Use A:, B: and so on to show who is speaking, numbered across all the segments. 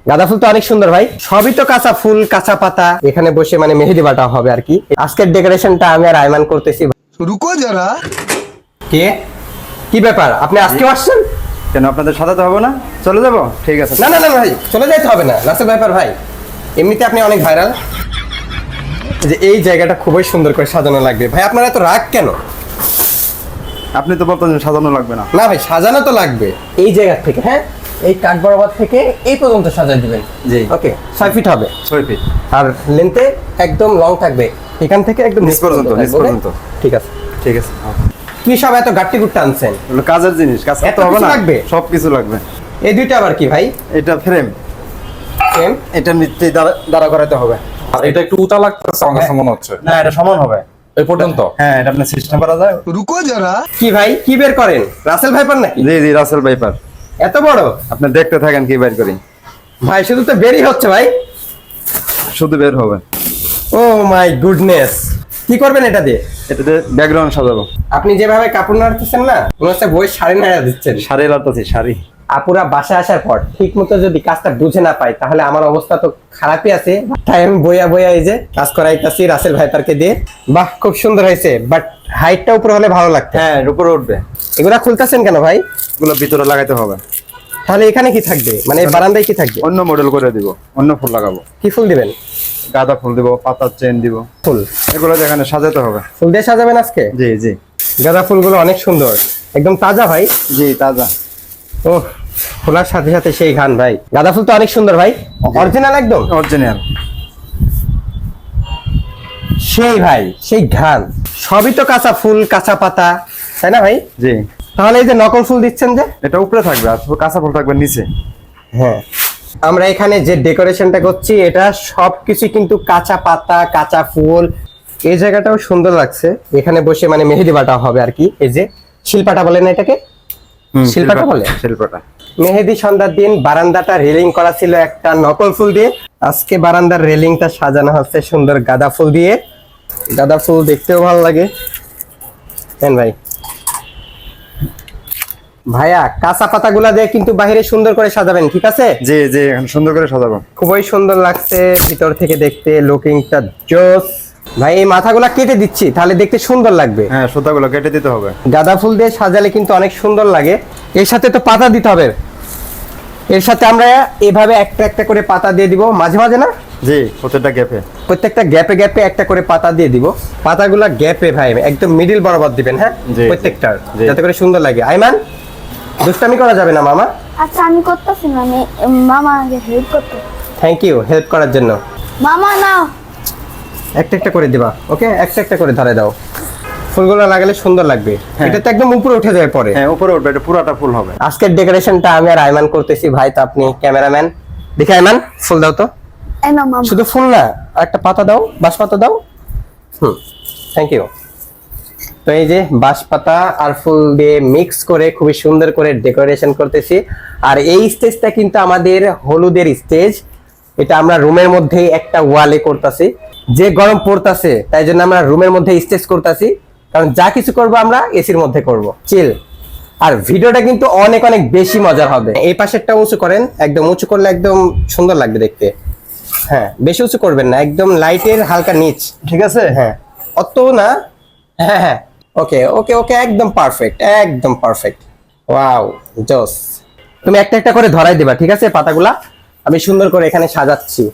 A: গাঁদা ফুল তো অনেক সুন্দর ভাই, সবই তো কাঁচা ফুল কাঁচা পাতা, এখানে বসে মানে মেহেদি বাটা হবে আর কি। আজকের ডেকোরেশনটা আমি আর আয়মান করতেছি।
B: রুকো যারা।
A: কে কি ব্যাপার, আপনি আজকে আসছেন
C: কেন আপনাদের সাজাতে হবে না? চলে যাবো? ঠিক আছে।
A: না না না ভাই, চলে যাইতে হবে না, রাসেল ব্যাপার ভাই, এমনিতে আপনি অনেক ভাইরাল। যে এই জায়গাটা খুবই সুন্দর করে সাজানো লাগবে ভাই, আপনারা এত রাগ কেন?
C: আপনি তো বলতেন সাজানো লাগবে না।
A: না ভাই, সাজানো তো লাগবে। এই জায়গা থেকে, হ্যাঁ, এই কাঠ বরাবর থেকে এই পর্যন্ত সাজাই দিবেন।
C: জি।
A: ওকে, 6 ফিট হবে
C: 6 ফিট।
A: আর লেন্থে একদম লং থাকবে, এখান থেকে একদম
C: নিচ পর্যন্ত,
A: থাকবে,
C: নিচ পর্যন্ত।
A: ঠিক আছে।
C: ঠিক আছে।
A: কি সব এত গাট্টি গুট্টা আনছেন?
C: এগুলো কাজের জিনিস, কাজ
A: এত
C: করতে হবে
A: কিছু
C: না?
A: লাগবে?
C: সব কিছু লাগবে।
A: এই দুইটা আবার কি ভাই?
C: এটা ফ্রেম,
A: সেম।
C: এটা নিচে দাঁড়া করাতে হবে।
D: আর এটা একটু উঁচা লাগতেছে আমার কাছে মনে হচ্ছে।
C: না, এটা সমান হবে
D: এই পর্যন্ত।
C: হ্যাঁ, এটা আপনি সিস্টেম করা যায়।
B: রুকো যারা।
A: কি ভাই, কি বের করেন? রাসেল ভাইপার নাকি?
C: জি জি, রাসেল ভাইপার।
A: এত বড়?
C: আপনি দেখতে থাকেন কি বের করি।
A: ভাই শুধু তো বেরই হচ্ছে ভাই।
C: শুধু বের হবে।
A: ও মাই গুডনেস, কি করবেন এটা দিয়ে?
C: এটাতে ব্যাকগ্রাউন্ড সাজাবো।
A: আপনি যেভাবে কাপড় নাড়তেছেন না, মনে হচ্ছে বই শাড়ি নাড়া দিচ্ছেন।
C: শাড়ি লাগাচ্ছি, শাড়ি।
A: আপুরা বাসায় আসার পর ঠিক মতো যদি কাজটা বুঝে না পাই, তাহলে আমার অবস্থা তো খারাপই আছে। তাই আমি বইয়া বইয়া এই যে কাজ করাইতাছি রাসেল ভাইপারকে দিয়ে। বাহ, খুব সুন্দর হয়েছে, বাট হাইটটা উপরে হলে ভালো লাগতো।
C: হ্যাঁ, এর উপরে উঠবে।
A: এগুলা খুলতেছেন কেন ভাই?
C: এগুলো ভিতরে লাগাইতে হবে।
A: তাহলে এখানে কি থাকবে, মানে এই বারান্দায় কি থাকবে?
C: অন্য মডেল করে দিব, অন্য ফুল লাগাবো।
A: কি ফুল দিবেন?
C: গাঁদা ফুল দিব, পাতার চেন দিব।
A: ফুল
C: এগুলো যেখানে সাজাতে হবে।
A: ফুল দিয়ে সাজাবেন আজকে?
C: জি জি।
A: গাঁদা ফুলগুলো অনেক সুন্দর, একদম তাজা ভাই।
C: জি, তাজা।
A: ও, খোলার সাথে সাথে সেই ঘ্রাণ ভাই। গাঁদা ফুল তো অনেক সুন্দর ভাই, অরিজিনাল একদম
C: অরিজিনাল।
A: সেই ভাই, সেই ঘ্রাণ। সবই তো কাঁচা ফুল কাঁচা পাতা, তাই না ভাই?
C: জি।
A: তাহলে এই যে নকল ফুল দিচ্ছেন যে?
C: এটা উপরে থাকবে আর কাঁচা ফুল থাকবে নিচে।
A: হ্যাঁ, আমরা এখানে যে ডেকোরেশনটা করছি এটা সবকিছু কিন্তু কাঁচা পাতা কাঁচা ফুল। এই জায়গাটাও সুন্দর লাগছে, এখানে বসে মানে মেহেদি বাটা হবে আর কি। এই যে শিলপাটা বলে না এটাকে? শিলপাটা বলে।
C: শিল্পটা।
A: মেহেদি সন্ধ্যার দিন বারান্দাটা রেলিং করা ছিল একটা নকল ফুল দিয়ে, আজকে বারান্দার রেলিংটা সাজানো হচ্ছে সুন্দর গাঁদা ফুল দিয়ে। গাঁদা ফুল দেখতেও ভালো লাগে। হ্যাঁ ভাই, ভাইয়া কাঁচা পাতাগুলা দিয়ে কিন্তু বাইরে সুন্দর করে সাজাবেন, ঠিক আছে?
C: জি জি, এখন সুন্দর করে সাজাবো।
A: খুবই সুন্দর লাগছে ভিতর থেকে দেখতে, লুকিংটা জোস। ভাই এই মাথাগুলা কেটে দিচ্ছি, তাহলে দেখতে সুন্দর লাগবে।
C: হ্যাঁ, সুতাগুলো কেটে দিতে হবে।
A: গাঁদা ফুল দিয়ে সাজালে কিন্তু অনেক সুন্দর লাগে। এর সাথে তো পাতা দিতে হবে, এর সাথে আমরা এভাবে একটা একটা করে পাতা দিয়ে দিব মাঝে মাঝে, না?
C: জি, প্রত্যেকটা গ্যাপে।
A: প্রত্যেকটা গ্যাপে গ্যাপে একটা করে পাতা দিয়ে দিব। পাতাগুলা গ্যাপে ভাই একদম মিডিল বরাবর দিবেন, হ্যাঁ,
C: জি,
A: প্রত্যেকটার,
C: জি।
A: যাতে করে সুন্দর লাগে। আইমান, দুষ্টামি করা যাবে না মামা।
E: আচ্ছা আমি করতেছি না, আমি মামা আগে হেল্প করতে।
A: থ্যাংক ইউ হেল্প করার জন্য।
E: মামা নাও।
A: একটা একটা করে দিবা, ওকে? একটা একটা করে ধরে দাও, ফুলগুলো লাগালে সুন্দর লাগবে।
C: হ্যাঁ।
A: এটা তো একদম উপরে উঠে যাবে পরে।
C: হ্যাঁ, উপরে উঠবে, এটা পুরাটা ফুল হবে।
A: আজকের ডেকোরেশনটা আমি আর আইমান করতেছি ভাই, তো আপনি ক্যামেরাম্যান। দেখে আইমান, ফুল দাও তো।
E: এই নাও মামা।
A: শুধু ফুল না, আর একটা পাতা দাও, বাঁশ পাতা দাও। Thank you. তো এই যে বাঁশ পাতা আর ফুল দিয়ে মিক্স করে খুবই সুন্দর করে ডেকোরেশন করতেছি। আর এই স্টেজটা কিন্তু আমাদের হলুদের স্টেজ, এটা আমরা রুমের মধ্যে একটা ওয়ালে করতেছি। যে গরম পড়তাছে তাই জন্য আমরা রুমের মধ্যে স্টেজ করতেছি, কারণ যা কিছু করব আমরা এসির মধ্যে করব, চিল। আর ভিডিওটা কিন্তু অনেক অনেক বেশি মজার হবে। এই পাশেরটা উঁচু করেন, একদম উঁচু করলে একদম সুন্দর লাগবে দেখতে। হ্যাঁ, বেশি উঁচু করবেন না, একদম লাইটের হালকা নিচ,
C: ঠিক আছে।
A: হ্যাঁ, অত না। হ্যাঁ হ্যাঁ, ওকে ওকে ওকে, একদম পারফেক্ট, একদম পারফেক্ট। ওয়াও, জোস। তুমি একটা একটা করে ধরাই দিবা, ঠিক আছে? পাতাগুলা আমি সুন্দর করে এখানে সাজাচ্ছি।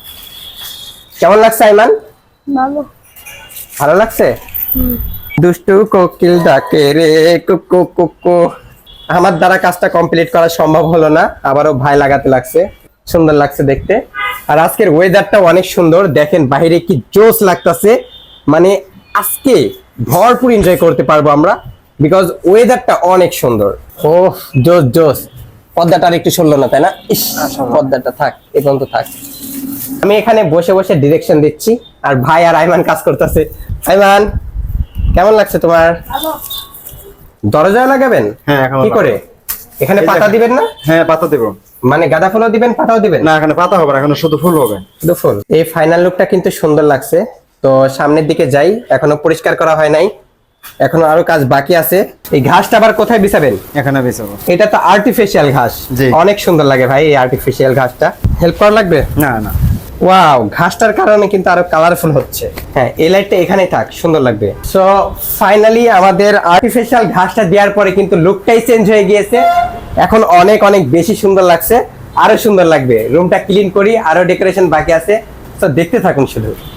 A: কেমন লাগছে আইমান?
E: ভালো।
A: ভালো লাগছে? দুষ্টু কোকিল ডাকে রে কুকু কুকু। আমার দ্বারা কাজটা কমপ্লিট করা সম্ভব হলো না, আবারও ভাই লাগাতে লাগছে। সুন্দর লাগছে দেখতে। আর আজকের ওয়েদারটা অনেক সুন্দর, দেখেন বাইরে কি জোস লাগতেছে। মানে আজকে ভরপুর এনজয় করতে পারবো আমরা, বিকজ ওয়েদারটা অনেক সুন্দর। ও জোস জোস। পর্দাটা আর একটু সরলো না, তাই না? ইস, পর্দাটা থাক, এ পর্যন্ত থাক। আমি এখানে বসে বসে ডিরেকশন দিচ্ছি, আর ভাই আর আইমান কাজ করতেছে। আইমান, কেমন লাগছে তোমার? দরজায় লাগাবেন?
C: হ্যাঁ, এখন
A: কি করে? এখানে
C: এই
A: পাতা
C: দেখেন।
A: দিবেন না?
C: হ্যাঁ, পাতা দেবো।
A: মানে গাঁদা ফুলও দিবেন, পাতাও দিবেন?
C: না, এখানে পাতা হবে না, এখানে শুধু ফুল হবে।
A: শুধু ফুল। এই ফাইনাল লুকটা কিন্তু সুন্দর লাগছে। তো সামনের দিকে যাই, এখনো পরিষ্কার করা হয় নাই। এখনো আরো কাজ বাকি আছে। এই ঘাসটা আবার কোথায় বিছাবেন?
C: এখানে বেচাবো।
A: এটা তো আর্টিফিশিয়াল ঘাস,
C: জি।
A: অনেক সুন্দর লাগে ভাই এই আর্টিফিশিয়াল ঘাসটা। হেল্প করা লাগবে?
C: না না,
A: ওয়াও, ঘাসটার কারণে কিন্তু আরো কালারফুল হচ্ছে। হ্যাঁ, এই লাইটটা এখানেই থাক, সুন্দর লাগবে। সো ফাইনালি আমাদের আর্টিফিশিয়াল ঘাসটা দেওয়ার পরে কিন্তু লুকটাই চেঞ্জ হয়ে গিয়েছে। এখন অনেক অনেক বেশি সুন্দর লাগছে, আরো সুন্দর লাগবে। রুমটা ক্লিন করি, আরো ডেকোরেশন বাকি আছে। তো দেখতে থাকুন শুধু।